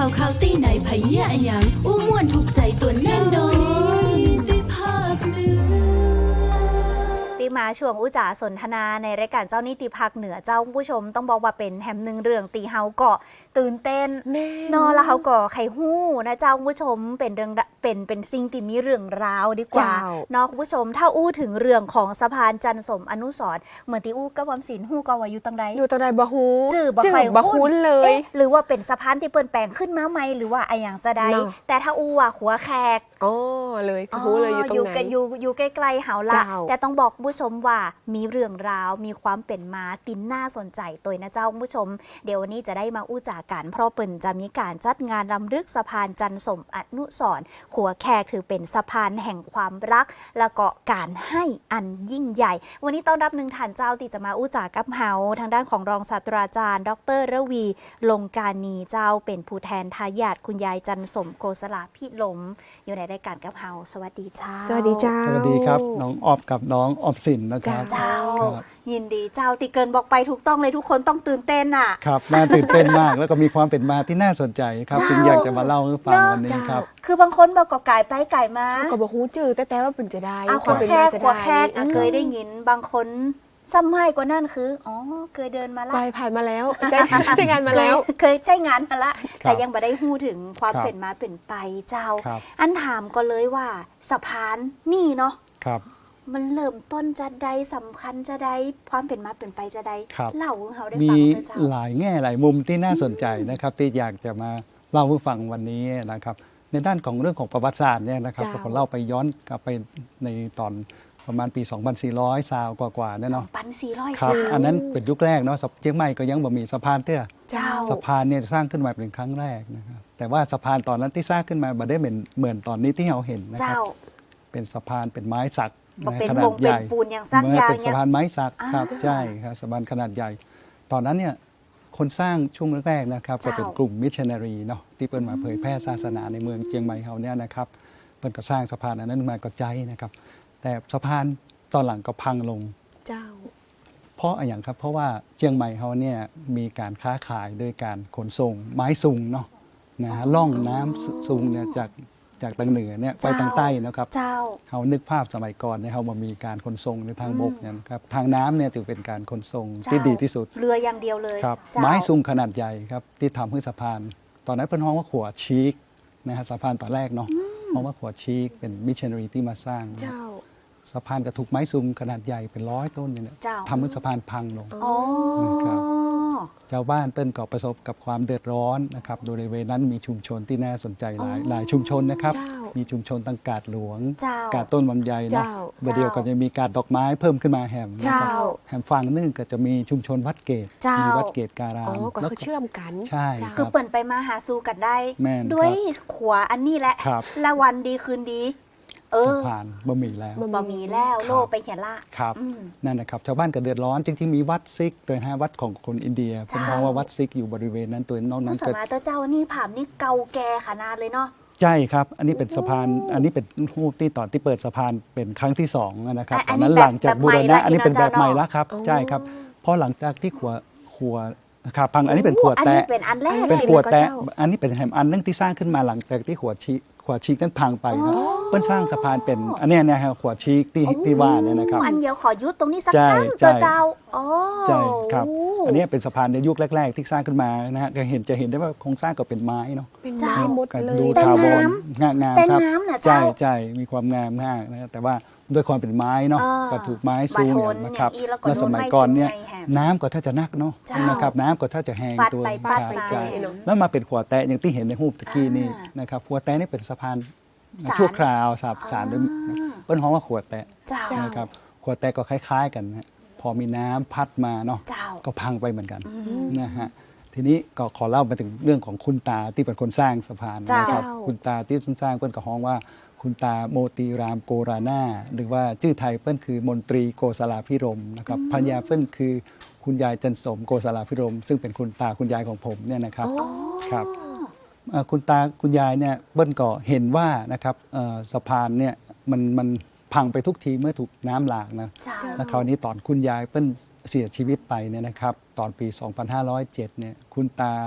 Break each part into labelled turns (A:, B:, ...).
A: ข่าวตีไหนไผเนี่ยอะหยังอู้ม่วนถูกใจตัวแน่นอนได้ภาคเหนือ
B: ที่มาช่วงอุจาสนทนาในรายการเจ้านิติภาคเหนือเจ้าผู้ชมต้องบอกว่าเป็นแฮมหนึ่งเรื่องตีเฮาเกาะตื่นเต้นนอนแล้วเขาก็ไข่หู้นะเจ้าผู้ชมเป็นเรื่องเป็นสิ่งที่มีเรื่องราวดีกว่านอกผู้ชมถ้าอู้ถึงเรื่องของสะพานจันทร์สมอนุสรณ์เหมือนที่อู้กับวำศิลป์หู้ก็ว่าอยู่ตรงใด
C: บะฮู
B: จื่อบ่คุ้นเลยหรือว่าเป็นสะพานที่เปิ้นแปลงขึ้นมาใหม่หรือว่าอะไรอย่างจะได้แต่ถ้าอู้ว่าหัวแขก
C: อ๋อเลยฮู้เลยอยู่ตรงไหน
B: อยู่ใกล้ๆเฮาละแต่ต้องบอกผู้ชมว่ามีเรื่องราวมีความเป็นมาตินน่าสนใจตัวนะเจ้าผู้ชมเดี๋ยววันนี้จะได้มาอู้จากันเพราะเปิ้นจะมีการจัดงานรำลึกสะพานจันทร์สมอนุสรณ์หัวแขกถือเป็นสะพานแห่งความรักและก็การให้อันยิ่งใหญ่วันนี้ต้อนรับหนึ่งท่านเจ้าที่จะมาอู้จากับเฮาทางด้านของรองศาสตราจารย์ดร.ระวีลงกานีเจ้าเป็นผู้แทนทายาทคุณยายจันทร์สมโกศลาพิลมอยู่ในรายการกับเฮาสวัสดีเจ้า
C: สวัสดีเจ้า
D: สวัสดีครับน้องออฟกับน้องออมสินนะครับ
B: เจ้ายินดีเจ้าติเกินบอกไปถูกต้องเลยทุกคนต้องตื่นเต้นอ่ะ
D: ครับน่าตื่นเต้นมากแล้วก็มีความเป็นมาที่น่าสนใจครับจึงอยากจะมาเล่าให้ฟังวันนี้ครับ
B: คือบางคนบอกกับไก่ไปไก่มา
C: ก็บอกฮู้จื้อแต่ว่าเป็นจะได้
B: ความเป็นมาจะได้แค่เคยได้ยินบางคนซ้ำให้กว่านั่นคืออ๋อเคยเดินมาละ
C: ไปผ่านมาแล้วใช้งานมาแล้ว
B: เคยใช้งานมาละแต่ยังไม่ได้ฮู้ถึงความเป็นมาเป็นไปเจ้าอันถามก็เลยว่าสะพานนี่เนาะ
D: ครับ
B: มันเริ่มต้นจะได้สำคัญจะได้ความเป็นมาเป็นไปจะได้เล่าให้เขาได้ฟัง
D: มีหลายแง่หลายมุมที่น่าสนใจนะครับที่อยากจะมาเล่าให้ฟังวันนี้นะครับในด้านของเรื่องของประวัติศาสตร์เนี่ยนะครับผมเล่าไปย้อนกลับไปในตอนประมาณปี 2400 ซาวกว่าๆเนี่ยเนาะ
B: 2400
D: ครับอันนั้นเป็นยุคแรกเนาะเชียงใหม่ก็ยังบ่มีสะพานเตื้อสะพานเนี่ยสร้างขึ้นมาเป็นครั้งแรกนะครับแต่ว่าสะพานตอนนั้นที่สร้างขึ้นมาบ่ได้เหมือนตอนนี้ที่เราเห็นนะครับเป็นสะพานเป็นไม้สัก
B: ขนาดใหญ่
D: ปูนอย่างสร้างยาวเป็นสะพานไม้สักครับใช่ครับสะพานขนาดใหญ่ตอนนั้นเนี่ยคนสร้างช่วงแรกๆนะครับก็เป็นกลุ่มมิชชันนารีเนาะที่เปิ้นมาเผยแพร่ศาสนาในเมืองเชียงใหม่เฮาเนี่ยนะครับเปิ้นก็สร้างสะพานอันนั้นมาก็ใจนะครับแต่สะพานตอนหลังก็พังลง
C: เจ้า
D: เพราะอย่างครับเพราะว่าเชียงใหม่เขาเนี่ยมีการค้าขายโดยการขนส่งไม้ซุงเนาะนะฮะล่องน้ำซุงเนี่ยจากทางเหนือเนี่ยไปทางใต้นะครับเขานึกภาพสมัยก่อนเนี่ยเขามามีการขนส่งในทางบกเนี่ยครับทางน้ำเนี่ยถือเป็นการขนส่งที่ดีที่สุด
B: เรืออย่างเดียวเลย
D: ครับไม้ซุงขนาดใหญ่ครับที่ทำให้สะพานตอนนั้นเป็นห้องว่าขัวชีกนะฮะสะพานตอนแรกเนาะห้องว่าขัวชีกเป็นมิชชันนารีที่มาสร้างสะพานกระถูกไม้ซุงขนาดใหญ่เป็น100 ต้นเนี่ยทำให้สะพานพังลงนะครับชาวบ้านเปิ้นก็ประสบกับความเดือดร้อนนะครับโดยในเวนั้นมีชุมชนที่น่าสนใจหลายชุมชนนะครับมีชุมชนตั้งกาดหลวงกาดต้นลำไยนะเดียวก็จะมีกาดดอกไม้เพิ่มขึ้นมาแหมแหมฝั่งนึงก็จะมีชุมชนวัดเกตมีวัดเกตการาม
C: ก็คือเชื่อมกัน
D: ใช่
B: คือเปิ่นไปมาหาสู่กันได้ด้วยขวาอันนี้แหละละวันดีคืนดี
D: สะพานบะหมี่แล้ว
B: โลไปเขียนละ
D: ครับนั่นนะครับชาวบ้านก็เดือดร้อนจริงๆมีวัดซิกโดยวัดของคนอินเดียเป็นเพราะว่าวัดซิกอยู่บริเวณนั้นตัวนอกนั้น
B: ก็สมาเจ้านี่ผามนี่เก่าแก่ขนาดเลยเนาะ
D: ใช่ครับอันนี้เป็นสะพานอันนี้เป็นรูปที่ตอนที่เปิดสะพานเป็นครั้งที่2นะครับตอนนั้นหลังจากบูรณะอันนี้เป็นแบบใหม่แล้วครับใช่ครับเพราะหลังจากที่ขัวครับพังอันนี้เป็นขัวแตะเป็นขัวแตะอันนี้เป็นแหมอันนึงที่สร้างขึ้นมาหลังจากที่ขัวชีกนั้นพังไปนะเปิ้นสร้างสะพานเป็นอันนี้นะครับขวดชีกที่ว่าเนี่ยนะครับ
B: อันเดียวขอยุดตรงนี้สักตั้งเจ้า
D: ใช่ครับอันนี้เป็นสะพานในยุคแรกๆที่สร้างขึ้นมานะฮะจะเห็นได้ว่าโครงสร้างก็เป็นไม้เนาะ
C: เป็นไม้หมดเลย
D: ดูทาวรงามครับใช่มีความงามมากนะแต่ว่าด้วยความเป็นไม้เนาะก็ถูกไม้สูงอย่างนะครับแล้วสมัยก่อนเนี่ยน้ำก็ถ้าจะนักเนาะนะครับน้ำก็ถ้าจะแห้งตัวใช่แล้วมาเป็นขวดแตะอย่างที่เห็นในรูปตะกี้นี่นะครับขวดแตะนี่เป็นสะพานชั่วคราวสารด้วยเปิ้นฮ้องว่าขวดแตะนะครับขวดแตะก็คล้ายๆกันนะพอมีน้ำพัดมาเนาะก็พังไปเหมือนกันนะฮะทีนี้ก็ขอเล่ามาถึงเรื่องของคุณตาที่เป็นคนสร้างสะพานนะครับคุณตาที่สร้างเปิ้นก็ฮ้องว่าคุณตาโมตีรามโกรานาหรือว่าชื่อไทยเปิ้นคือมนตรีโกศลาภิรมย์นะครับภรรยาเปิ้นคือคุณยายจันสมโกศลาภิรมย์ซึ่งเป็นคุณตาคุณยายของผมเนี่ยนะครับครับคุณตาคุณยายเนี่ยเปิ้ลก็เห็นว่านะครับสะพานเนี่ยมันพังไปทุกทีเมื่อถูกน้ำหลากนะแล้วคราวนี้ตอนคุณยายเปิ้ลเสียชีวิตไปเนี่ยนะครับตอนปี 2507 เนี่ยคุณตา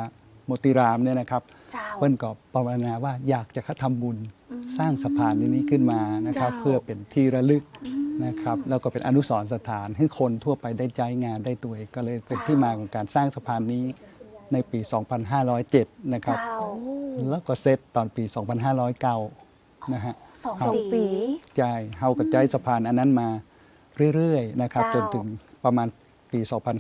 D: มติรามเนี่ยนะครับ
B: เจ้า
D: เปิ้ลก็ภาวนาว่าอยากจะทำบุญสร้างสะพานนี้ขึ้นมานะครับ
C: เจ้า
D: เพื่อเป็นที่ระลึกนะครับแล้วก็เป็นอนุสรณ์สถานให้คนทั่วไปได้ใช้งานได้ตัวเองก็เลยเป็นที่มาของการสร้างสะพานนี้ในปี 2507 นะครับ
B: เจ้า
D: แล้วก็เสร็จตอนปี 2509 นะฮะ
B: สอง
C: สอง
B: ปี
C: ปี
D: ใช่เฮากับใจสะพานอันนั้นมาเรื่อยๆนะครับจ
B: เจ้า
D: นถึงประมาณปี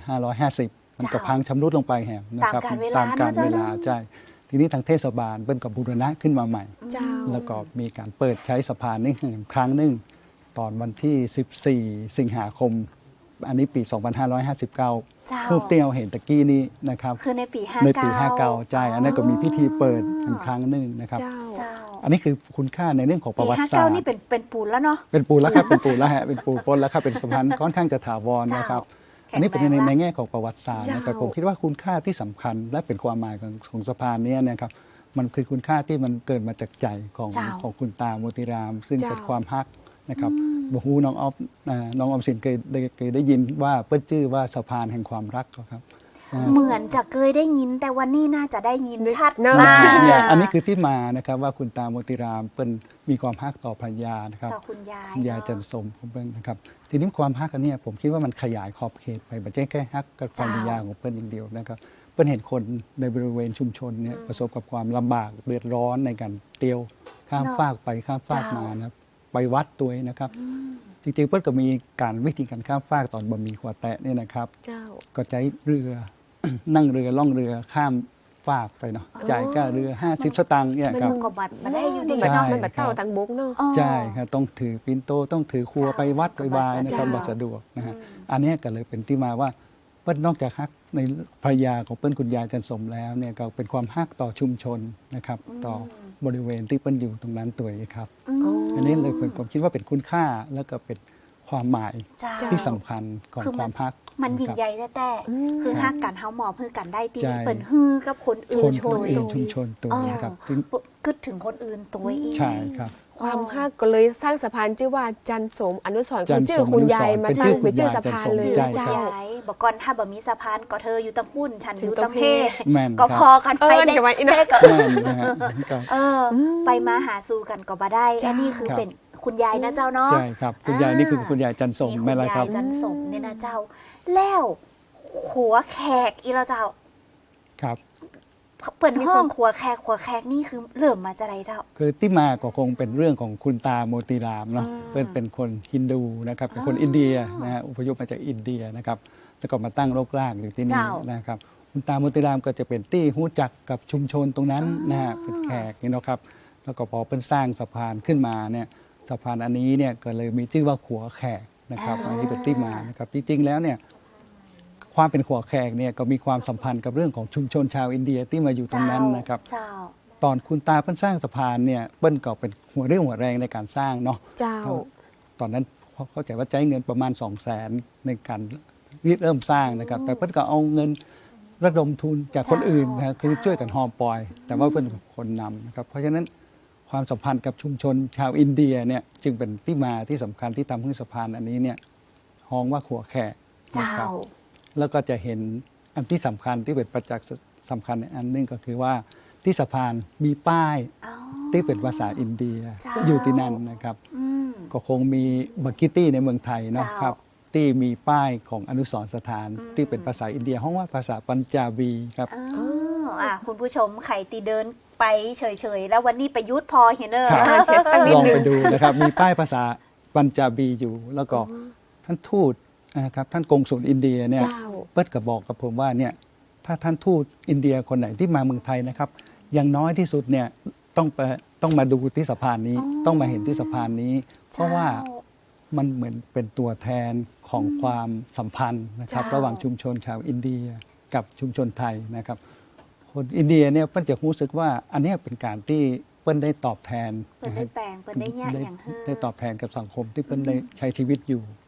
D: 2550 มันก็พังชำรุดลงไปแหมนะครับ
B: ตามกาลเวลา
D: ตามกาลเวลา
B: เนอะ
D: ใช่ทีนี้ทางเทศบาลเปิ้ลก็บูรณะขึ้นมาใหม่
C: เจ้า
D: แล้วก็มีการเปิดใช้สะพานนี้ครั้งหนึ่งตอนวันที่ 14 สิงหาคม อันนี้ปี 2559
B: เจ้า
D: รูปเตี้ยวเห็นตะกี้นี้นะครับ
B: คือในปี 59
D: ในปี 59 ใช่ อันนั้นก็มีพิธีเปิดอีกครั้งหนึ่งนะครับ
C: เจ้า
B: เจ้า
D: อันนี้คือคุณค่าในเรื่องของป
B: ปี
D: ระวัติศาสต
B: 59
D: ร์
B: นี่เป็นปูนแล้วเนาะ
D: เป็นปูนแล้วครับ เป็นปูนแล้วฮะ เป็นปูนปนแล้วครับ เป็นสะพานค่อนข้างจะถาวรนะครับ
B: แข็งแรง
D: อันนี้เป็นในแง่ของประวัติศาสตร์นะ
C: เจ้า
D: แต่ผมคิดว่าคุณค่าที่สำคัญและเป็นความหมายของสะพานเนี้นะครับ มันคือคุณค่าที่มันเกิดมาจากใจของ
B: เจ้า
D: ของคุณตาโมติราม ซึ่ง
C: เจ้า
D: เป็นความฮักนะครับบฮูน้องออฟน้องออมสินเคยได้ยินว่าเปิ้ลชื่อว่าสะพานแห่งความรักครับ
B: เหมือนจะเคยได้ยินแต่วันนี้น่าจะได้ยินชัด
C: เนอะ
B: มาก
D: เนี่ยอันนี้คือที่มานะครับว่าคุณตาโมติรามเป็นมีความฮักต่อภรรยานะครับ
B: ต่อคุณยาย
D: คุณยายจันสมของเปิ้ลนะครับทีนี้ความฮักอันเนี้ยผมคิดว่ามันขยายขอบเขตไปไม่ใช่แค่ฮักกับภรรยาของเปิ้ลอย่างเดียวนะครับเปิ้ลเห็นคนในบริเวณชุมชนเนี่ยประสบกับความลำบากเดือดร้อนในการเตียวข้ามฟากไปข้ามฟากมานะครับไปวัดตัวเองนะครับ จริงๆเปิ้ลก็มีการวิธีการข้ามฟากตอนบะหมี่ขวดแตะเนี่ยนะครับ
C: เจ้า
D: ก็ใช้เรือ นั่งเรือล่องเรือข้ามฟากไปเนาะจ่ายค่าเรือ 50 สตางค์เนี่ยครับ
B: ก็บัตรมาได้อยู่
C: มั
B: ดี
C: นแบบ
D: ใช่
C: มันแบบเต่าตังบุกเนาะ
B: อ๋อ
D: ใช่ครับต้องถือปินโตต้องถือครัวไปวัดไปวายนะครับ
C: เจ้า
D: บัสะดวกนะฮะอันเนี้ยก็เลยเป็นที่มาว่าเปิ้ลนอกจากฮักในภรรยาของเปิ้ลคุณยายจันสมแล้วเนี่ยก็เป็นความฮักต่อชุมชนนะครับต่อบริเวณที่เปิ้ลอยู่ตรงนั้นตัวเองครับ อันนี้เลยผมคิดว่าเป็นคุณค่าแล้วก็เป็นความหมาย
B: เจ้า
D: ที่สำคัญของ
B: คือ
D: ความฮัก
B: มันยิ่ง
D: ะครับ
B: ใหญ่แต่คือฮักกันเฮาหมอบเพื่อกันได้ตี
D: ใช่
B: เปิ่นฮือกับคนอื่
D: คน น
B: โดย
D: อื่นชุมชนตัวนะครับซึ่ง
B: กึดถึงคนอื่นตัวอีก
D: ใช่ครับ
C: ความฮักก็เลยสร้างสะพานชื่อว่าจันสมอนุสรณ์
D: จั
C: คื
D: น
C: อ
D: สม
C: ชื่อคุณยายมา
D: เป็น
C: สร้างเป็นชื่อ
D: คุณยาย
C: สะพานเลย
D: จันสม
C: เจ้า
B: ยายบอกก่อนถ้าบ่มีสะพานก็เธออยู่ตังปุ้นฉันอยู่ตังเพ
D: แม่น
B: ก็
D: ครับ
B: พอกันไป
C: เดี๋ยวไว้อีกนะ
B: เพ่ก็
D: แม่นนะฮะก็
B: ไปมาหาสู่กันก็บ่ได้
C: เจ้า
B: อันนี้คือ
D: ครับ
B: เป็นคุณยายนะเจ้าเนาะ
D: ใช่ครับคุณยายนี่คือคุณยายจันสม
B: นี่
D: ไม่ไรครับ
B: ณยายจันสมเนี่ยนะเจ้า แล้วขัวแขกอีเราเจ้า
D: ครับ
B: เปิดห้องขัวแขกนี่คือเริ่มมาจากไหนเจ้า
D: คือที่มาก็คงเป็นเรื่องของคุณตาโมติรามเนาะ เป็นคนฮินดูนะครับเป็นคนอินเดียนะฮะอพยพมาจากอินเดียนะครับแล้วก็มาตั้งรกรากอยู่ที่นี่
B: เจ้า
D: นะครับคุณตาโมติรามก็จะเป็นที่รู้จักกับชุมชนตรงนั้นนะฮะเป็นแขกนี่นะครับแล้วก็พอเพิ่นสร้างสะพานขึ้นมาเนี่ยสะพานอันนี้เนี่ยก็เลยมีชื่อว่าขัวแขกนะครับอันนี้เป็นที่มานะครับจริงๆแล้วเนี่ยความเป็นขัวแขกเนี่ยก็มีความสัมพันธ์กับเรื่องของชุมชนชาวอินเดียที่มาอยู่ตรงนั้นนะครับ
B: เจ้า
D: ตอนคุณตาเพิ่นสร้างสะพานเนี่ยเปิ้ลก็เป็นหัวเรี่ยวหัวแรงในการสร้างเนาะ
C: เจ้า
D: ตอนนั้นเข้าใจว่าใช้เงินประมาณ 200,000 ในการเริ่มสร้างนะครับ แต่เพิ่นก็เอาเงินระดมทุนจากคนอื่นนะครับคือช่วยกันหอปอย แต่ว่าเพิ่นเป็นคนนำนะครับเพราะฉะนั้นความสัมพันธ์กับชุมชนชาวอินเดียเนี่ยจึงเป็นที่มาที่สำคัญที่ทำให้สะพานอันนี้เนี่ยฮ้องว่าขัวแขกนะ
B: เจ้า
D: ครับแล้วก็จะเห็นอันที่สำคัญที่เป็นประจักษ์สำคัญอันหนึงก็คือว่าที่สะพานมีป้าย
B: อ๋อ
D: ที่เป็นภาษาอินเดีย
B: เจ้า
D: อยู่ที่นั่นนะครับ
B: อืม
D: ก็คงมีบักกิตี้ในเมืองไทยเนาะ
B: เจ้า
D: ครับที่มีป้ายของอนุสรณ์สถานที่เป็นภาษาอินเดียห้องว่าภาษาปัญจาบีครับ
B: อ๋อคุณผู้ชมไข่ตีเดินไปเฉยๆ แล้ววันนี้ประยุทธ์พอเห็นเนอ
D: ครับ
C: เทสตั้งนิ
D: ล
C: ด
D: อง
C: นึ
D: ไป
C: ง
D: ดูนะครับ มีป้ายภาษาปัญจาบีอยู่ แล้วก็ท่านทูตนะครับท่านกงสุลอินเดียเนี่ย
C: เจ้า
D: เปิดก็บอกกับผมว่าเนี่ยถ้าท่านทูตอินเดียคนไหนที่มาเมืองไทยนะครับอย่างน้อยที่สุดเนี่ยต้องมาดูที่สะพานนี้ ต้องมาเห็นที่สะพานนี้ เพราะว่ามันเหมือนเป็นตัวแทนของความสัมพันธ์นะครับ ระหว่างชุมชนชาวอินเดียกับชุมชนไทยนะครับ คนอินเดียเนี่ยเปิ้ลจะรู้สึกว่าอันเนี้ยเป็นการที่เปิ้ลได้ตอบแทน
B: เปิดได้แปลงเปิดได้แยกอย่างเฮ้อ
D: ได้ตอบแทนกับสังคมที่เปิ้ลได้ใช้ชีวิตอยู่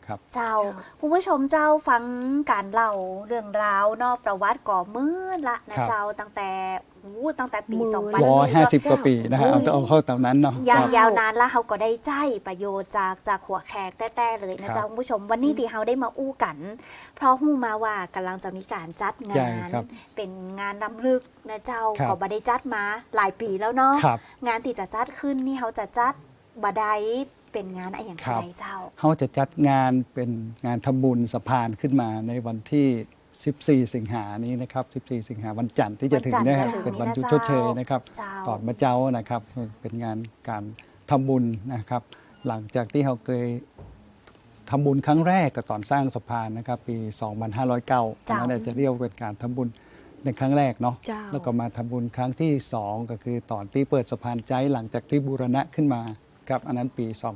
D: ครับ
B: เจ้าคุณผู้ชมเจ้าฟังการเล่าเรื่องราวนอกประวัติก่อมืดละนะครับ เจ้าตั้งแต่ปี
C: มืด
D: 150 กว่าปีนะฮะเอาเข้าตอนนั้นเนาะ
B: ยาวนานแล้วเขาก็ได้ใจประโยชน์จากหัวแขกแต้ๆเลยนะเจ้าคุณผู้ชมวันนี้ที่เขาได้มาอู้กัน เพราะหู้มาว่ากำลังจะมีการจัดงาน เป็นงานรำลึกนะเจ้าก็บ่ได้จัดมาหลายปีแล้วเนาะงานที่จะจัดขึ้นนี่เขาจะจัดบ่ได้เป็นงานอะไรอย่างไรเจ้า
D: เขาจะจัดงานเป็นงานทำบุญสะพานขึ้นมาในวันที่ 14 สิงหานี้นะครับ 14 สิงหาวันจันทร์ที่จะถึงนะครับเป็นวันหยุดชดเชยนะครับตอนมาเจ้านะครับเป็นงานการทำบุญนะครับ หลังจากที่เขาเคยทำบุญครั้งแรกก็ตอนสร้างสะพานนะครับปี 2509นั่นจะเรียกเป็นการทำบุญในครั้งแรกเนาะแล้วก็มาทำบุญครั้งที่ 2 ก็คือตอนที่เปิดสะพานใจหลังจากที่บูรณะขึ้นมาครับอันนั้นปี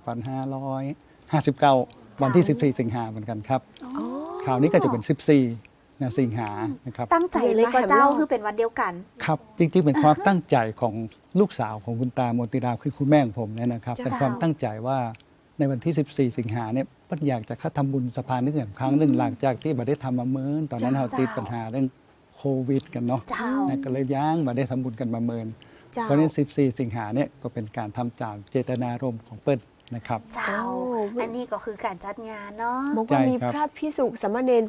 D: 2559 วันที่ 14 สิงหาเหมือนกันครับคราวนี้ก็จะเป็น 14 สิงหานะครับ
B: ตั้งใจเลยก็เจ้าคือเป็นวันเดียวกัน
D: ครับจริงๆเป็นความตั้งใจของลูกสาวของคุณตาโมติราคือคุณแม่ของผมเนี่ยนะครับเป็นความตั้งใจว่าในวันที่ 14 สิงหาเนี่ยป้าอยากจะเข้าทำบุญสะพานนึกถึงครั้งหนึ่งหลังจากที่บัได้ทำมาเมินตอนนั้นเราติดปัญหาเรื่องโควิดกันเนาะก็เลยย่างมาได้ทำบุญกันมาเมินเพราะนั้น 14 สิงหาเนี่ยก็เป็นการทำจากเจตนารมณ์ของเปิ้ลนะครับ
B: เจ้าอันนี้ก็คือการจัดงานเนาะ
C: บอกว่ามีพระภิกษุสามเณร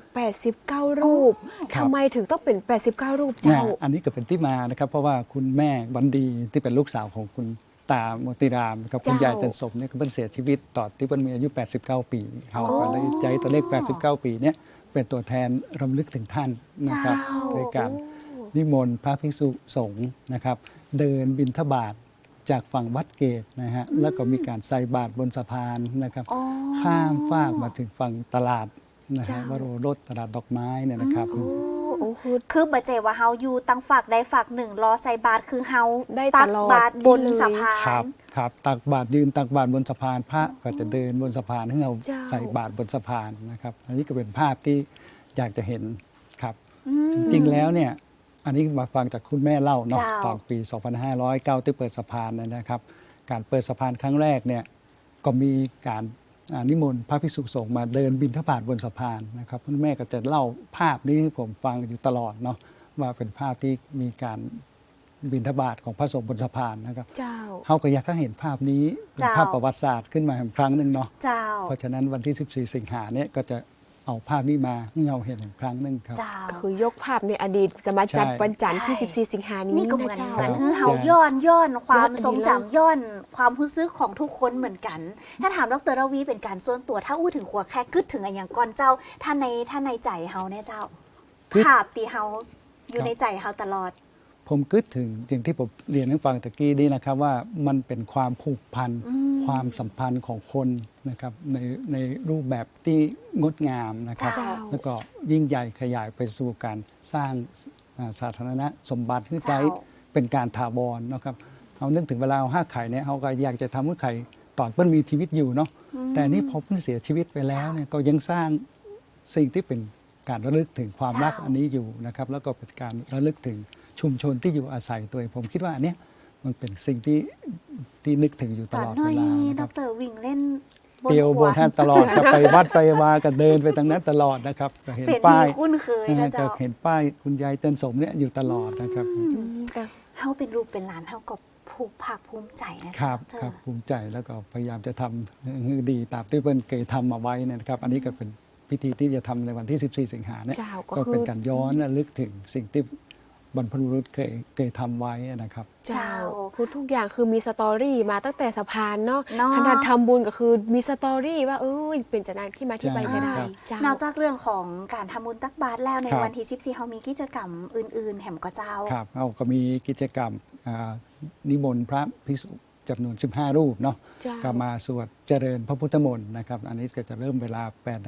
C: 89 รูปทำไมถึงต้องเป็น89 รูปเจ้า
D: อันนี้ก็เป็นที่มานะครับเพราะว่าคุณแม่วันดีที่เป็นลูกสาวของคุณตาโมติรามกับคุณยายจันสมเนี่ยก็เป็นเสียชีวิตตอนที่เปิ้ลมีอายุ 89 ปีเขาก็เลยใจตัวเลข 89 ปีเนี่ยเป็นตัวแทนรำลึกถึงท่านนะครับโดยการนิมนต์พระภิกษุสงฆ์นะครับเดินบิณฑบาตจากฝั่งวัดเกตนะฮะแล้วก็มีการใส่บาตรบนสะพานนะครับข้ามฟากมาถึงฝั่งตลาดนะฮะวโรรสตลาดดอกไม้เนี่ยนะครับ
B: คือบัจเจว่าเฮาอยู่ตั้งฝากใดฝากหนึ่งรอใส่บาตรคือเฮาตักบาตรบนสะพาน
D: ครับตักบาตรยืนตักบาตรบนสะพานพระก็จะเดินบนสะพานให้เราใส่บาตรบนสะพานนะครับอันนี้ก็เป็นภาพที่อยากจะเห็นครับจริงๆแล้วเนี่ยอันนี้มาฟังจากคุณแม่เล่าเนาะตอนปี 2509 ที่เปิดสะพานนะครับการเปิดสะพานครั้งแรกเนี่ยก็มีการนิมนต์พระภิกษุสงฆ์มาเดินบิณฑบาตบนสะพานนะครับคุณแม่ก็จะเล่าภาพนี้ให้ผมฟังอยู่ตลอดเนาะว่าเป็นภาพที่มีการบิณฑบาตของพระสงฆ์บนสะพานนะครับเขาก็อยากให้เห็นภาพนี้เป็นภาพประวัติศาสตร์ขึ้นมาอีกครั้งหนึ่งเนาะเพราะฉะนั้นวันที่ 14 สิงหาเนี่ยก็จะเอาภาพนี้มาให้เราเห็นอีกครั้งหนึ่งครับ
C: ก็คือยกภาพในอดีตจะมาจัดวันจันทร์ที่ 14 สิงหานี้
B: นี่ก็เหมือนเฮาย้อนความทรงจำย้อนความรู้สึกของทุกคนเหมือนกันถ้าถามดร.ระวีเป็นการส่วนตัวถ้าอู้ถึงหัวแค่กึดถึงอะไรอย่างก่อนเจ้าท่านในใจเฮาเนี่ยเจ้าภาพที่เฮาอยู่ในใจเฮาตลอด
D: ผมคิดถึงอย่างที่ผมเรียนให้ฟังตะกี้นี้นะครับว่ามันเป็นความผูกพันความสัมพันธ์ของคนนะครับในรูปแบบที่งดงามนะครับแล้วก็ยิ่งใหญ่ขยายไปสู่การสร้างสาธารณสมบัติที่ใจเป็นการถาวรนะครับเอานึกถึงเวลาเอาห้าไข่เนี่ยเขาก็อยากจะทำให้ไข่ตอนเพิ่นมีชีวิตอยู่เนาะแต่นี่พอเพิ่นเสียชีวิตไปแล้วเนี่ยก็ยังสร้างสิ่งที่เป็นการระลึกถึงความรักอันนี้อยู่นะครับแล้วก็เป็นการระลึกถึงชุมชนที่อยู่อาศัยตัวผมคิดว่าอันนี้มันเป็นสิ่งที่นึกถึงอยู่ตลอดเวลานะครับ
B: ดร.วิ่งเล่น
D: เตียวบนท่านตลอดก็ไปวัดไปวาก็เดินไปทางนั้นตลอดนะครับก็เห็นป้าย
B: คุ้นเคยนะเจ้า
D: เห็นป้ายคุณยายจันสมเนี่ยอยู่ตลอดนะครับ
B: เฮาเป็นลูกเป็นหลานเฮาก็ภูมิภาคภูมิใจ
D: นะครับภูมิใจแล้วก็พยายามจะทำให้ดีตามที่เพิ่นเคยทำมาไว้นะครับอันนี้ก็เป็นพิธีที่จะทำในวันที่ 14 สิงหาเนี่ยก็เป็นการย้อนระลึกถึงสิ่งที่บรรพบุรุษเคยทำไว้นะครับ
C: เจ้าคือทุกอย่างคือมีสตอรี่มาตั้งแต่สะพานเนาะขนาดทำบุญก็คือมีสตอรี่ว่าเป็นจะนั้นที่มาที่ไปจะได้
B: นอกจากเรื่องของการทำบุญตักบาตรแล้วในวันที่14เขามีกิจกรรมอื่นๆแห่มก็เจ้า
D: ครับเขาก็มีกิจกรรมนิมนต์พระภิกษุจำนวน15 รูปเนาะก็มาสวดเจริญพระพุทธมนต์นะครับอันนี้ก็จะเริ่มเวลา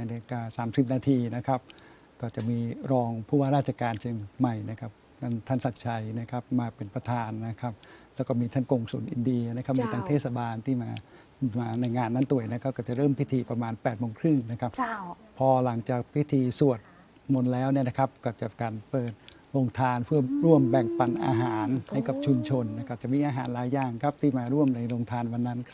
D: 8:30 นาทีนะครับก็จะมีรองผู้ว่าราชการเชียงใหม่นะครับท่านศักดิ์ชัยนะครับมาเป็นประธานนะครับแล้วก็มีท่านกงสุลอินเดียนะครับมีทางเทศบาลที่มาในงานนั้นตัวนะครับก็จะเริ่มพิธีประมาณ 8:30 น.นะครับพอหลังจากพิธีสวดมนต์แล้วเนี่ยนะครับก็จะการเปิดโรงทานเพื่อร่วมแบ่งปันอาหารให้กับชุมชนนะครับจะมีอาหารหลายอย่างครับที่มาร่วมในโรงทานวันนั้นครับ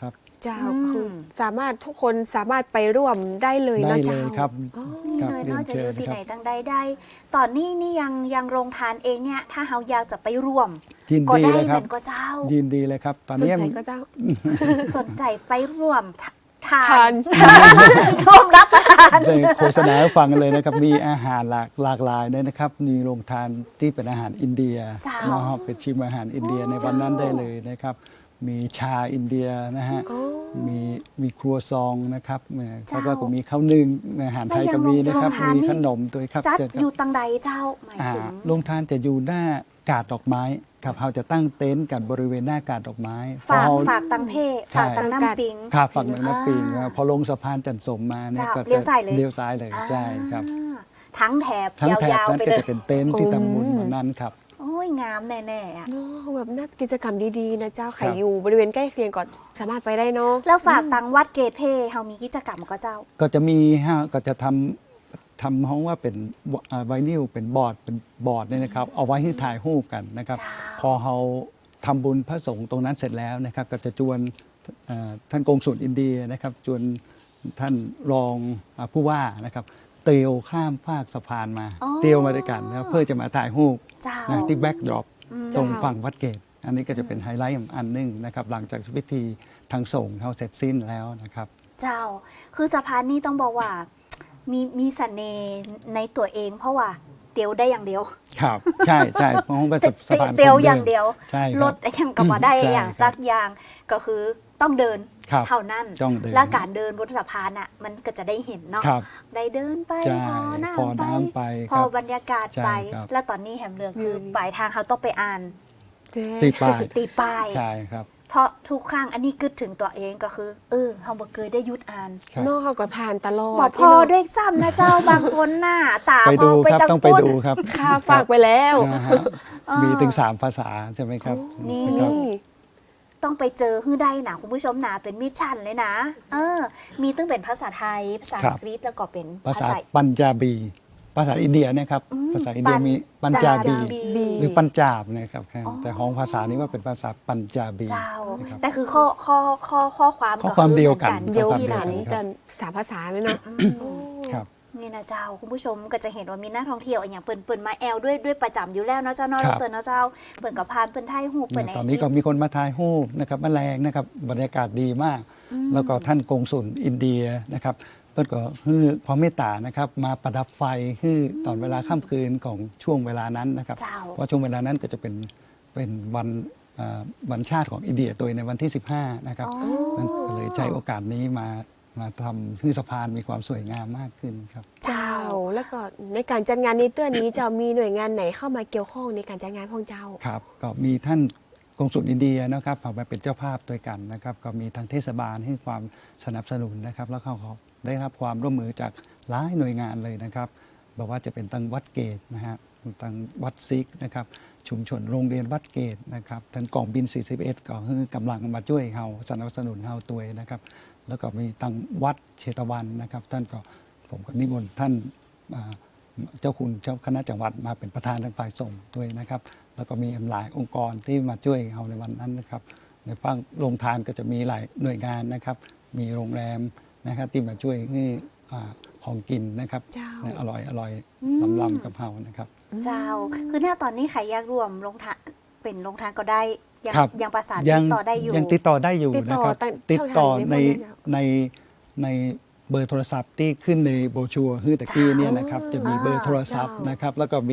C: เจ้าคือสามารถทุกคนสามารถไปร่วมได้เลย
D: ได้
C: นะ
D: เล
C: เจ้าย
D: ครับ
B: นี่
D: ครับ
B: เลย
D: เรีย
B: เนาะ
D: น
B: จะ
D: เชิ
B: ดู
D: ญ
B: ที่
D: ครั
B: ไหน
D: บ
B: ตั้งได้ได้ ตอนนี้นี่ยังโรงทานเองเนี่ยถ้าเฮาอยากจะไปร่วม
D: ยิน
B: ก็
D: ดี
B: ได้
D: เลย
B: เห
D: ครั
B: มื
D: บ
B: อนก็เจ้า
D: ยินดีเลยครับ ตอน
C: สน
D: นี้
C: ใจก็เจ้า
B: สนใจไปร่วมทา
C: ทาน น
B: ร่วมรับประทาน
D: ได้โฆษณาให้ฟังกันเลยนะครับ มีอาหารหลากหลายเลยนะครับ มีโรงทานที่เป็นอาหารอินเดีย
B: เจ้า
D: นะครับเป็นชิมอาหารอินเดียในวันนั้นได้เลยนะครับ มีชาอินเดียนะฮะ มีครัวซองนะครับแล้วก็มีข้าวนึ่งอาหารไทยก็มีนะครับ
B: แล้วยังโรงทานนี่
D: มีขนมด้วยครับ
B: จัด
D: เชิญครับ
B: อยู่ตังใดเจ้าหมายถึง
D: โรงทานจะอยู่หน้ากาดดอกไม้ครับเราจะตั้งเต็นท์กันบริเวณหน้ากาดดอกไม้
B: ฝาก
D: พอ
B: ฝากตังเพฝากตังน้ำปิง
D: ข้าฝั่งหนึ่งน้ำปิงพอลงสะพานจันทร์สมมาเนี่ย
B: เจ้า
D: ก็
B: เลี้ยวซ้ายเลย
D: เลี้ยวซ้ายเลยใช่ครับ
B: ทั้งแถบ
D: ทั้งแถบ
B: ยาวๆ
D: นั้น
B: ไป
D: ก็
B: เลย
D: จะเป็นเต็นท์ที่ทำบุญวันนั้นครับ
B: โอ้ยงามแน่ๆอะ
C: เนาะแบบน่ากิจกรรมดีๆนะเจ้าใคร
D: ครับ
C: อยู่บริเวณใกล้เคียงก็สามารถไปได้เนาะ
B: แล้วฝากตังวัดเกตเพเฮามีกิจกรรมก็เจ้า
D: ก็จะมีก็จะทำห้องว่าเป็นไวนิลเป็นบอร์ดเนี่ยนะครับ เอาไว้ให้ถ่ายรูปกันนะครับ
B: จ้า
D: พอเราทำบุญพระสงฆ์ตรงนั้นเสร็จแล้วนะครับ ก็จะจวนท่านกงสุลอินเดียนะครับจวนท่านรองผู้ว่านะครับเตียวข้ามภาคสะพานมา
B: อ๋อ
D: เตียวมาด้วยกันนะครับเพื่อจะมาถ่ายรูป
B: เจ้า
D: นะที่แบ็กดรอป
B: อืม
D: ตรงฝั่งวัดเกต อันนี้ก็จะเป็นไฮไลท์อันหนึงนะครับ หลังจากพิธีทางสงฆ์เขาเสร็จสิ้นแล้วนะครับ
B: เจ้า คือสะพานนี้ต้องบอกว่า มีเสน่ห์ในตัวเอง เพราะว่าเตียวได้อย่างเดียว
D: ครับใช่ใช่เพราะว่าเป็นสะพาน
B: เตียว
D: คน
B: อย่างเดียว
D: ใช่ค
B: ร
D: รับ
B: ถยังกับว่าได้
D: ใช่
B: อย่าง
D: ครับ
B: สักอย่างก็คือต้องเดิน
D: ครับ
B: เท่านั้น
D: ต้องเดิน
B: และการเดินบนสะพานอ่ะ มันก็จะได้เห็นเนาะ
D: ครับ
B: ได้เดินไป
D: ใช่
B: พอ
D: พอ
B: น้ำ
D: น้ำ
B: ไป
D: ไป
B: พ
D: ค
B: อ
D: รับ
B: บรรยากาศ
D: ใช่
B: ไป
D: ครับ
B: และตอนนี้แหมเลือกคือ
C: ม
B: ปลายทางเขาต้องไปอ่าน
D: ตีป้าย
B: ตีป้าย
D: ใช่ครับ
B: เพราะทุกครั้งอันนี้กึดถึงตัวเองก็คือเฮาบ่เคยได้หยุดอ่าน
D: ครับ
C: นอกเขาก็ผ่านตลอด
B: บอกพอด้วยซ้ำนะเจ้า บางคนหน้าตา
D: ไป
B: พ
D: ดู
B: อไป
D: ครับ
B: ตะ
D: ต้องไป
B: กุน
D: ดูครับ
C: ค่าฝากไปแล้ว
D: นะฮะมีถึง 3 ภาษาใช่ไหมครับ
B: นี่
D: นะครับ
B: ต้องไปเจอฮื้อได้นะคุณผู้ชมนะเป็นมิชชั่นเลยนะ มีตั้งเป็นภาษาไทย ภาษา
D: ครั
B: อั
D: บ
B: งกฤษแล้วก็เป็น
D: ภาษาปัญจาบี ภาษาอินเดียนะครับ ภาษาอินเดียมีปัญจาบี หรือปัญจาบนะครับแต่ของภาษานี้ว่าเป็นภาษาปัญจาบี
B: เจ้า
D: นะครับ
B: แต่คือข้อความ
D: ข้อความเดียวกัน
C: เดียว
D: ข้อความ
C: กัน
D: เดียว
C: กันสามภาษาเลยเนาะ
D: ครับ
B: นี่นะเจ้าคุณผู้ชมก็จะเห็นว่ามีนักท่องเที่ยวอย่างเปิ่นมาแอลด้วยประจำอยู่แล้วเนาะเจ้าเนาะ
D: ครับ
B: เปิ่นเนาะเจ้าเปิ่นกับพานเปิ่นไทยหูเปิ่น
D: ตอนนี้ก็มีคนมาถ่ายรูปนะครับมาแรงนะครับบรรยากาศดีมาก แล้วก็ท่านกงสุลอินเดียนะครับเพื่อนก็ฮือความเมตตานะครับมาประดับไฟฮือตอนเวลาค่ำคืนของช่วงเวลานั้นนะครับ
B: เจ้า
D: เพราะช่วงเวลานั้นก็จะเป็นวันชาติของอินเดียตัวในวันที่ 15 นะครับ
B: อ๋อ
D: นั่นก็เลยใช้โอกาสนี้มาทำให้สะพานมีความสวยงามมากขึ้นครับ
C: เจ้าแล้วก็ในการจัดงานนี้เตื้อนี้จะมีหน่วยงานไหนเข้ามาเกี่ยวข้องในการจัดงานของเจ้า
D: ครับก็มีท่านกงสุลอินเดียนะครับมาเป็นเจ้าภาพด้วยกันนะครับ ก็มีทางเทศบาลให้ความสนับสนุนนะครับ แล้วเขาได้รับความร่วมมือจากหลายหน่วยงานเลยนะครับบอกว่าจะเป็นทางวัดเกตนะฮะทางวัดซิกนะครับชุมชนโรงเรียนวัดเกตนะครับทางกองบิน 41 ก็คือกำลังมาช่วยเราสนับสนุนเราตัวนะครับ แล้วก็มีทางวัดเชตวันนะครับ ท่านก็ผมก็นิมนต์ท่านเจ้าคุณเจ้าคณะจังหวัดมาเป็นประธานทางฝ่ายส่งด้วยนะครับ แล้วก็มีหลายองค์กรที่มาช่วยเราในวันนั้นนะครับ ในฝั่งโรงทานก็จะมีหลายหน่วยงานนะครับ มีโรงแรมนะครับที่มาช่วยให้ของกินนะครับ
C: เจ้า
D: อร่อยลำกับเรานะครับ
B: เจ้า คือถ้าตอนนี้ใครอยากรวมลงทานเป็นลงทานก็ได้
D: ครับ
B: ยังประสานติดต่อได้อยู่
D: ยังติดต่อได้อยู่
C: ติดต่อ
D: นะครับ
C: ตั้ง
D: ติดต่อ
C: ช่องทางไหน
D: ใน
C: บ้างเนี่ย
D: ในเบอร์โทรศัพท์ที่ขึ้นในโบรชัวร์ฮือตะกี้เนี่ยนะครับจะมีเบอร์โทรศัพท์นะครับ แล้วก็มี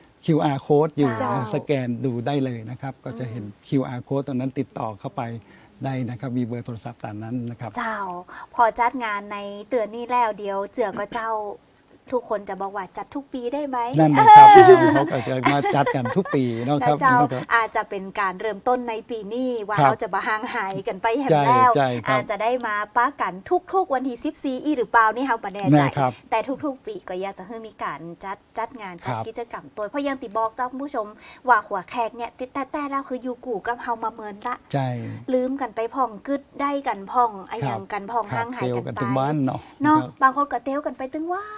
D: QR code อยู่
B: เจ้า
D: สแกนดูได้เลยนะครับ ก็จะเห็น QR code ตรงนั้นติดต่อเข้าไปได้นะครับ มีเบอร์โทรศัพท์ตามนั้นนะครับ
B: เจ้า พอจัดงานในเตือนนี้แล้วเดียวเจือก็เจ้า ทุกคนจะบอกว่าจัดทุกปีได้ไหม
D: นั่นนะครับเขาก็จะมาจัดกันทุกปีเนาะ
B: นะ
D: ครับ
B: เจ้า
D: นะครับ
B: อาจจะเป็นการเริ่มต้นในปีนี้ว่า
D: ครับ
B: เราจะมาห่างหายกันไปแห่ง
D: ใช่
B: แล้ว
D: ใช่ครับ
B: อาจจะได้มาป้ากันทุกๆวันที่14อีหรือเปล่านี่เฮาประแน่ใจ
D: นะครับ
B: แต่ทุกๆ ปีก็อยากจะให้มีการจัดงานจัด
D: ครับ
B: กิจกรรมตัวเพราะอยังติบอกเจ้าคุณผู้ชมว่าหัวแขกเนี่ยแต่เราคืออยู่กู่กับเฮามาเมินละ
D: ใช่
B: ลืมกันไปพ่องกึดได้กันพ่องไอ้
D: ครับ
B: ยังกันพ่อง
D: ครั
B: ห่า
D: บ
B: งหาย
D: เตียว
B: กัน
D: กัน
B: ไป
D: ถึงบ้านเนาะ
B: เนาะ
D: ครับ
B: บางคนก็เตียวกันไปตึงว่าน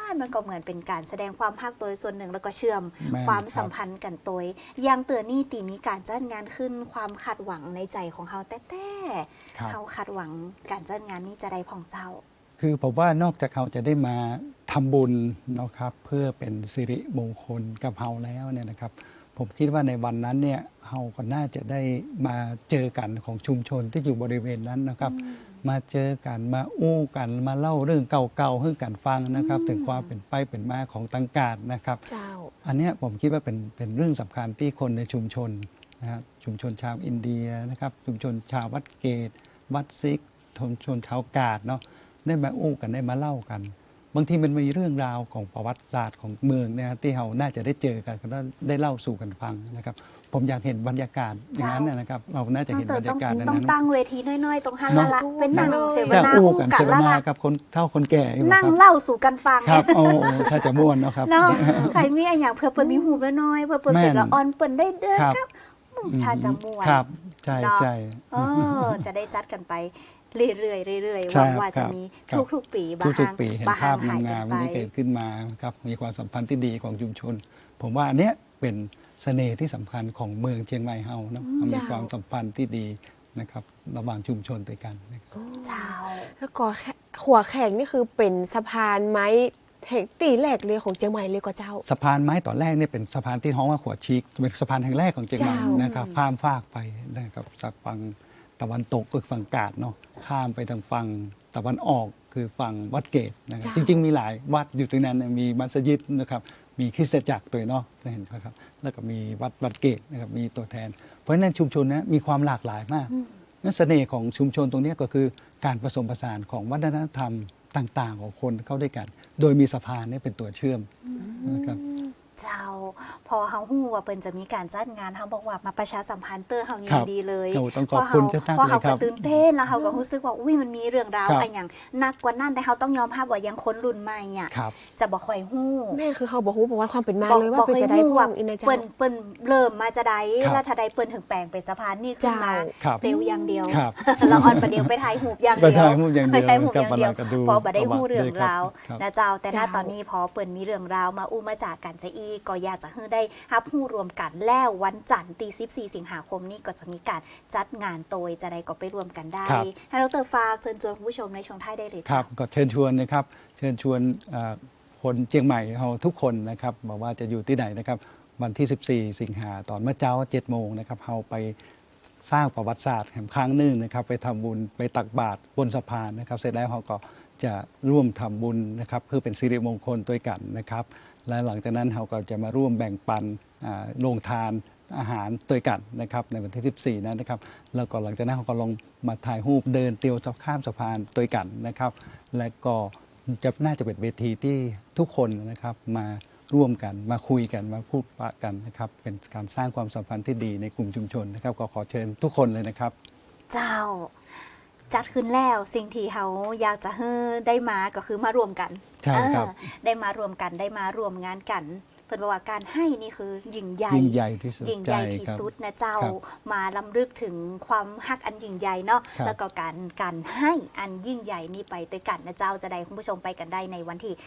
B: านมันก็เหมือนเป็นการแสดงความฮักตัวส่วนหนึ่งแล้วก็เชื่อม
D: แม่น
B: ความสัมพันธ์กันตัวอย่างเตือนนี่ตีมีการจัดงานขึ้นความคาดหวังในใจของเฮาแต่
D: ครับ
B: เฮาคาดหวังการจัดงานนี้จะได้พ่องเจ้า
D: คือผมว่านอกจากเขาจะได้มาทำบุญเนาะครับเพื่อเป็นสิริมงคลกับเฮาแล้วเนี่ยนะครับ ผมคิดว่าในวันนั้นเนี่ยเฮาก็น่าจะได้มาเจอกันของชุมชนที่อยู่บริเวณนั้นนะครับ มาเจอกันมาอู้กันมาเล่าเรื่องเก่าๆให้กันฟังนะครับ ถึงความเป็นไปเป็นมาของตังกาดนะครับ
C: เจ้า
D: อันเนี้ยผมคิดว่าเป็นเรื่องสำคัญที่คนในชุมชนนะฮะชุมชนชาวอินเดียนะครับชุมชนชาววัดเกต วัดซิกชุมชนชาวกาดเนาะได้มาอู้กันได้มาเล่ากัน บางทีมันมีเรื่องราวของประวัติศาสตร์ของเมืองเนี่ยที่เราน่าจะได้เจอกันก็ได้เล่าสู่กันฟังนะครับ ผมอยากเห็นบรรยากาศอย่างนั้นนะครับ เราน่าจะเห็นบรรยากาศนั้น
B: ต้องตั้งเวทีน้อยๆ ตรงฮันละละเป็นนั่งเสว
D: จะ
B: นา
D: อู้
B: อู้
D: กัน
B: กั
D: เส
B: น
D: ว
B: ละ
D: นา
B: ละ
D: กับคนเฒ่าคนแก่อยู่
B: นั่ง
D: ครับ
B: เล่าสู่กันฟัง
D: ครับโอ้ถ้าจะม่วนเนาะครับ
B: เนาะใครมีอะไรอย่างเพื่อเปิดมีหูแล้วน้อยเพื่อเปิดเป็นละออนเปิดได้เด้อ
D: ครับ
B: ครับถ้าจะม่วน
D: ครับใช่
B: เนาะ
D: ใช่
B: จะได้จัดกันไปเรื่อยๆเรื่อยๆห
D: ใช่
B: วังว่า
D: ครั
B: จะ
D: บ
B: มี
D: ครับ
B: ทุกๆปีบา
D: ทุก
B: ง
D: ๆปีเห็น
B: บาง
D: ภาพ
B: หาย
D: งาม
B: กัน
D: ๆ
B: ไป
D: ที่เกิดขึ้นมาครับมีความสัมพันธ์ที่ดีของชุมชน ผมว่าอันเนี้ยเป็นเสน่ห์ที่สำคัญของเมืองเชียงใหม่เฮาเนาะมันมี
C: เจ้า
D: ความสัมพันธ์ที่ดีนะครับระหว่างชุมชนด้วยกันนะครับ
B: เจ้า
C: แล้วก็หัวแข่งนี่คือเป็นสะพานไม้แห่งตีแรกเลยของเชียงใหม่เลยก็เจ้า
D: สะพานไม้ตอนแรกเนี่ยเป็นสะพานที่ท้องว่าหัวชิกเป็นสะพานแห่งแรกของเชียงใหม่
C: เจ้าน
D: นะครับข้ามฟากไปนะครับจากฝั่งตะวันตกก็คือฝั่งกาดเนาะข้ามไปทางฝั่งตะวันออกคือฝั่งวัดเกตนะครับจริงๆมีหลายวัดอยู่ตรงนั้นมีมัสยิดนะครับมีคริสตจักรตัวเนาะเห็นไหมครับแล้วก็มีวัดเกตนะครับมีตัวแทน เพราะฉะนั้นชุมชนนี้มีความหลากหลายมากนั่นเสน่ห์ของชุมชนตรงนี้ก็คือการผสมผสานของวัฒนธรรมต่างๆ ของคนเข้าด้วยกัน โดยมีสะพานนี่เป็นตัวเชื่อมนะครับ
B: เจ้าพอเฮาฮู้ว่าเปิ้นจะมีการจัดงานเฮาบอกว่ามาประชาสัมพันธ์เตอร์เฮานี่
D: ครับ
B: ดีเลย
D: โอ้ต้องขอบคุณเจ้าตั้ง
B: พอ
D: เลย
B: เฮา
D: ครั
B: ก็
D: บ
B: ตื่นเต้นแล้วเฮาก็รู้สึกว่าอุ้ยมันมีเรื่องราว
D: ครับ
B: อะไรอย่างหนักกว่านั้นแต่เฮาต้องยอมรับว่ายังคนรุ่นใหม่อ่ะ
D: ครับ
B: จะบ่ค่อยฮู้
C: แม่นคือเขาบอกฮู้ประวัติความเป็นมาเลยว่า
B: บ่
C: เป็น
B: ค่อย
C: จะได้
B: ฮู้
C: พ่
B: ว่า
C: องอินนะเจ้า
B: เปิ้นเริ่มมาจะได้
D: ครับ
B: แล้วถ้าได้เปิ้นถึงแปลงเป็นสะพานนี่ขึ้นมา
D: ครับ
B: เร็วอย่างเดียว
D: ครับ
B: เราออนประเดียวไปถ่ายรูปอย่าง
D: ไป
B: เดียว
D: ถ่ายรูปอย่างเดียว
B: ไปถ่ายรูปอย่างเดียว
D: กับอะไรก็ดู
B: พอบ่ได้ฮู้เรื่องราว
D: ครับ
B: นะเจ้าแต่ถ้า
C: เจ้า
B: ตอนนี้พอเปิ้นมีเรื่องราวมาอู้มาจากกันจะอีก็อยากจะให้ได้รับรู้รวมกันแล้ววันจันทร์ที่14 สิงหาคมนี้ก็จะมีการจัดงานโดยจะได้ก็ไปรวมกันได้
D: ครับ
B: ให้ดรฝากเชิญชวนคุณผู้ชมในช่วงท้ายได้เลย
D: ครับก็เชิญชวนนะครับเชิญชวนคนเชียงใหม่เราทุกคนนะครับบอกว่าจะอยู่ที่ไหนนะครับวันที่ 14 สิงหาตอนเมื่อเช้า 7 โมงนะครับเราไปสร้างประวัติศาสตร์แห่งครั้งหนึ่งนะครับไปทำบุญไปตักบาตรบนสะพานนะครับเสร็จแล้วเราก็จะร่วมทำบุญนะครับเพื่อเป็นสิริมงคลด้วยกันนะครับและหลังจากนั้นเราก็จะมาร่วมแบ่งปันโรงทานอาหารด้วยกันนะครับในวันที่ 14 นั้นนะครับแล้วก็หลังจากนั้นเราก็ลงมาถ่ายรูปเดินเตียวข้ามสะพานด้วยกันนะครับและก็น่าจะเป็นเวทีที่ทุกคนนะครับมาร่วมกันมาคุยกันมาพูดปะกันนะครับเป็นการสร้างความสัมพันธ์ที่ดีในกลุ่มชุมชนนะครับก็ขอเชิญทุกคนเลยนะครับ
B: เจ้าจัดขึ้นแล้วสิ่งที่เขาอยากจะให้ได้มาก็คือมารวมกัน
D: ใช่ครับ
B: ได้มารวมกันได้มารวมงานกันเพิ่นบอกว่าการให้นี่คือยิ่งใหญ่
D: ยิ่งใหญ่ที่สุด
B: ยิ่งใหญ่
D: ช่
B: ที่
D: ครับ
B: สุดนะเจ้า
D: ครับ
B: มาลำลึกถึงความฮักอันยิ่งใหญ่เนาะ
D: ครับ
B: แล้วก็การให้อันยิ่งใหญ่นี้ไปด้วยกันนะเจ้าจะได้คุณผู้ชมไปกันได้ในวันที่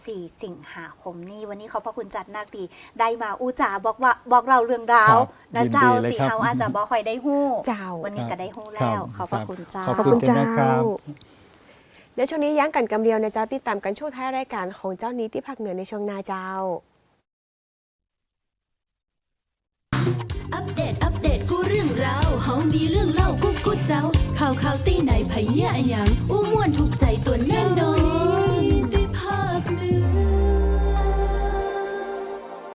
B: 14 สิงหาคมนี้วันนี้ขอบพระคุณจัดนักตีได้มาอู้จ๋าบอกเราเรื่องราว
D: ครับ
B: นะเจ้า
D: ยินดีเลย
B: ตี
D: ครับ
B: เขาอาจจะบ่ค่อยได้ฮู้
C: เจ้า
B: วันนี้ก็ได้ฮู้
D: ครั
B: แล้ว
D: บ
B: ขอบพระคุณเจ้า
D: ขอบ
C: ขอบ
D: คุ
C: คุณ ณ
D: เจ้า
C: เจ้า
D: นะครับ
C: เดี๋ยวช่วงนี้ยั้งกันกำเดียวนะเจ้าติดตามกันช่วงท้ายรายการของเจ้านี้ที่ภาคเหนือในช่วงนาเจ้า
A: อัปเดตกูเรื่องราวเฮามีเรื่องเล่ากุ๊กเจ้าข่าวตีไหนไผเหี้ยอะหยังอู้